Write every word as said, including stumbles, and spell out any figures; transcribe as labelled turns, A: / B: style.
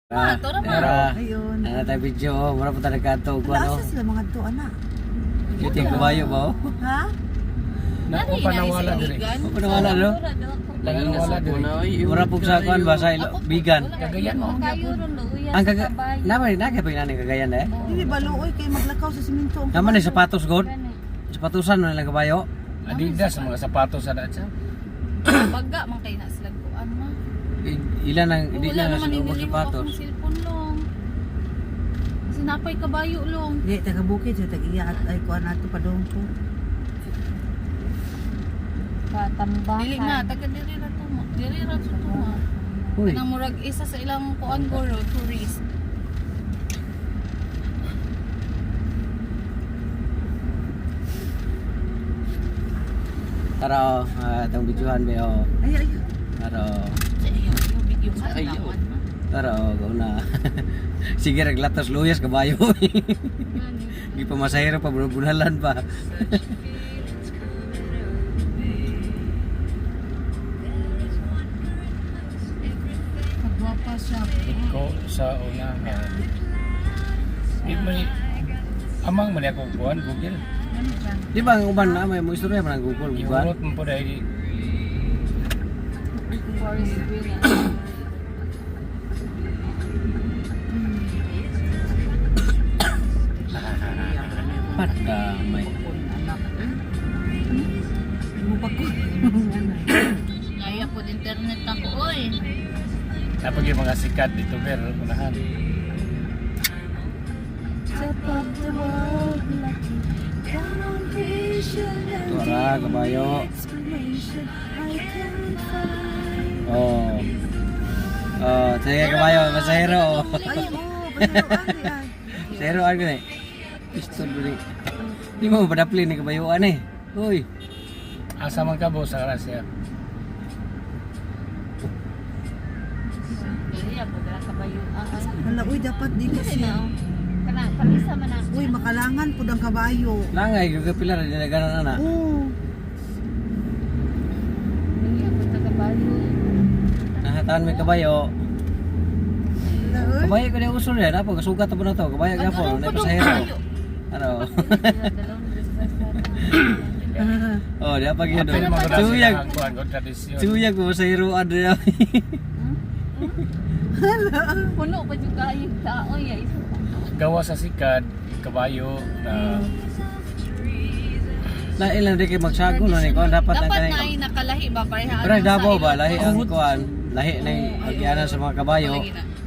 A: Ah, to na
B: Era,
C: Ayun.
B: ano tayo video, mura po tayo nagkanto ko ano.
C: Asa sila mga to, anak?
B: Yung ting kabayo ba oh?
C: Ha?
A: Nari na
D: panawala
A: isa
D: diri.
A: igan.
B: Ako panawala no?
D: Panawala diri.
B: Mura po sa kuan ba sa ilo, bigan.
D: Kagayan mo.
A: Kayo ron luya
B: Ang
A: sa
B: kaga,
A: kabayo.
B: naman nagay pa yung kagayan eh.
C: Dili baluoy kay maglakaw sa simento.
B: Naman ni sapatos god. Sapatusan mo nilang kabayo.
D: Adidas mga sapatos sa daan siya.
A: Baga man kay na sila kuan ma.
B: I- Ilan ang hindi
A: Wala
B: na
A: naman
B: sa
A: nililiwa
B: sapatos.
A: akong cellphone long. Sinapay kabayo long.
C: Di taga bukid sa tag-iya at ay kuan nato padong ko.
E: Katambakan.
A: Dili na taga diri ra to mo. Diri ra to to ma.
B: Uy,
A: Kanang murag isa sa ilang kuan goro tourist.
B: tara oh, ah, itong videohan ba oh.
C: Ay ay.
B: Tara oh.
A: Sa iyo yung video sa
D: Ayaw.
A: tawad ma.
B: Tara oh, go na. Sige reglatos luyas kabayo. Di pa masahero pa bunalan pa.
A: Magwapa siya.
D: Ko sa unahan. Di man amang man ako kuan Google.
B: Di ba ang uban na may mo istorya man ang Google bukan?
D: Iurot mo po dahil
A: Boris William.
B: Padamay.
C: Anak. Mo pa ko.
A: Kaya po internet ako oy.
D: napag yung mga sikat dito pero unahan.
B: Tara kabayo. Oh. Oh, sige kabayo, masahero.
C: Ay mo, pasero ani ay.
B: Zero ano eh. Pistol beli. Di mo padapli ni kabayuan eh. Uy.
D: Asa man ka boss sa rasya.
A: Dili ako dala kabayo. Ah,
C: Hala uy dapat di kasi.
A: kana palisa man ang
C: Uy makalangan pud ang kabayo.
B: Langay gyud pila ra dinala ganan ana.
C: Oo.
A: dili ako sa kabayo.
B: Nahataan may kabayo.
C: Hala uy.
B: Kabayo ko na usul yan. Apo kasugat po na to. Kabayo gyapon, na pasahero. Ano? Oh, dia pagi
D: Ano
B: do.
D: mga
B: Tuyag.
D: kuan ko tradisyon.
B: Tuyag ko masahero adre.
A: Puno pa jud kayo tao ya.
D: Gawa sa sikat kabayo na
B: Na ilan di kay magsago no ni ko dapat ang
A: Dapat
B: kanay.
A: na ay nakalahi ba pareha.
B: Pero Davao ba lahi ang kuan, lahi na agianan sa mga kabayo.